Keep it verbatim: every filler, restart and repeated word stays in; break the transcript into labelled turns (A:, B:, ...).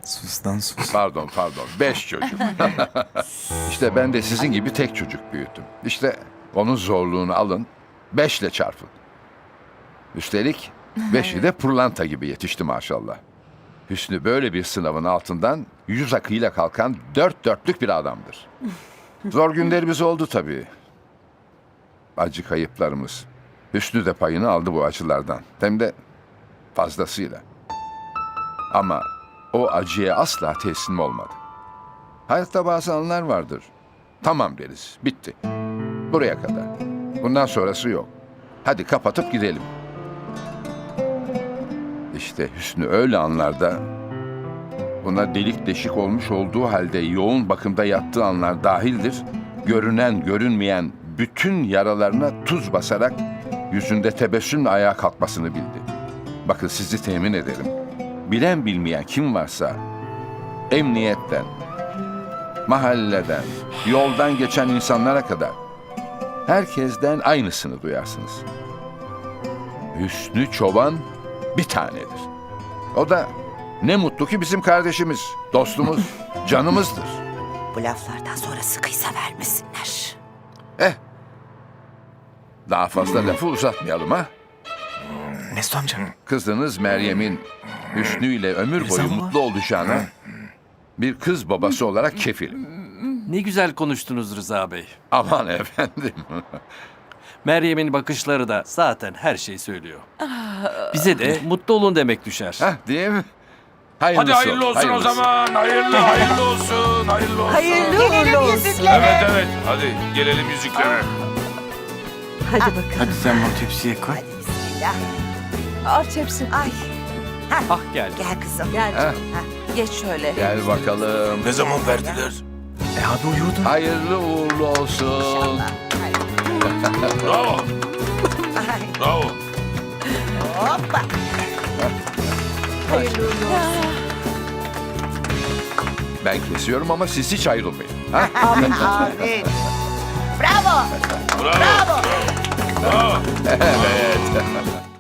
A: Sus lan sus.
B: Pardon pardon beş çocuk. İşte ben de sizin gibi tek çocuk büyüttüm. İşte onun zorluğunu alın, beşle çarpın. Üstelik beşi de pırlanta gibi yetişti maşallah. Hüsnü böyle bir sınavın altından yüz akıyla kalkan dört dörtlük bir adamdır. Zor günlerimiz oldu tabii. Acı kayıplarımız. Hüsnü de payını aldı bu acılardan. Hem de fazlasıyla. Ama o acıya asla teslim olmadı. Hayatta bazı anlar vardır. Tamam deriz, bitti. Buraya kadar. Bundan sonrası yok. Hadi kapatıp gidelim. İşte Hüsnü öyle anlarda, buna delik deşik olmuş olduğu halde yoğun bakımda yattığı anlar dahildir, görünen görünmeyen bütün yaralarına tuz basarak yüzünde tebessümle ayağa kalkmasını bildi. Bakın sizi temin ederim. Bilen bilmeyen kim varsa emniyetten, mahalleden, yoldan geçen insanlara kadar herkesten aynısını duyarsınız. Hüsnü Çoban bir tanedir. O da ne mutlu ki bizim kardeşimiz, dostumuz, canımızdır.
C: Bu laflardan sonra sıkıysa vermesinler.
B: Eh, daha fazla lafı uzatmayalım ha.
A: Mesut amca.
B: Kızınız Meryem'in Hüsnü ile ömür
A: Rıza
B: boyu
A: baba.
B: mutlu olacağına bir kız babası olarak kefilim.
D: Ne güzel konuştunuz Rıza Bey.
B: Aman efendim.
D: Meryem'in bakışları da zaten her şeyi söylüyor. Bize de mutlu olun demek düşer.
B: Hah, değil mi? Hayırlısı
E: Hadi hayırlı olsun
B: hayırlısı.
E: o zaman. Hayırlı hayırlı olsun. Hayırlı olsun.
C: Hayırlı uğurlu olsun.
E: Evet evet. Hadi gelelim yüzüklere.
C: Hadi bakalım.
A: Hadi sen bunu tepsiye koy.
C: Hadi bismillah.
F: Al tepsi.
C: Ay
D: Ah geldi.
C: gel kızım.
F: Gel.
B: Heh.
F: Geç şöyle.
B: Gel bakalım.
E: Ne zaman verdiler?
A: E hadi uyuyordun.
B: Hayırlı uğurlu olsun.
E: Bravo.
C: Ay,
E: Bravo.
C: hoppa.
B: Ben kesiyorum ama siz hiç ayrılmayın. Ha?
C: Aferin. Bravo.
E: Bravo. Bravo.
B: Evet.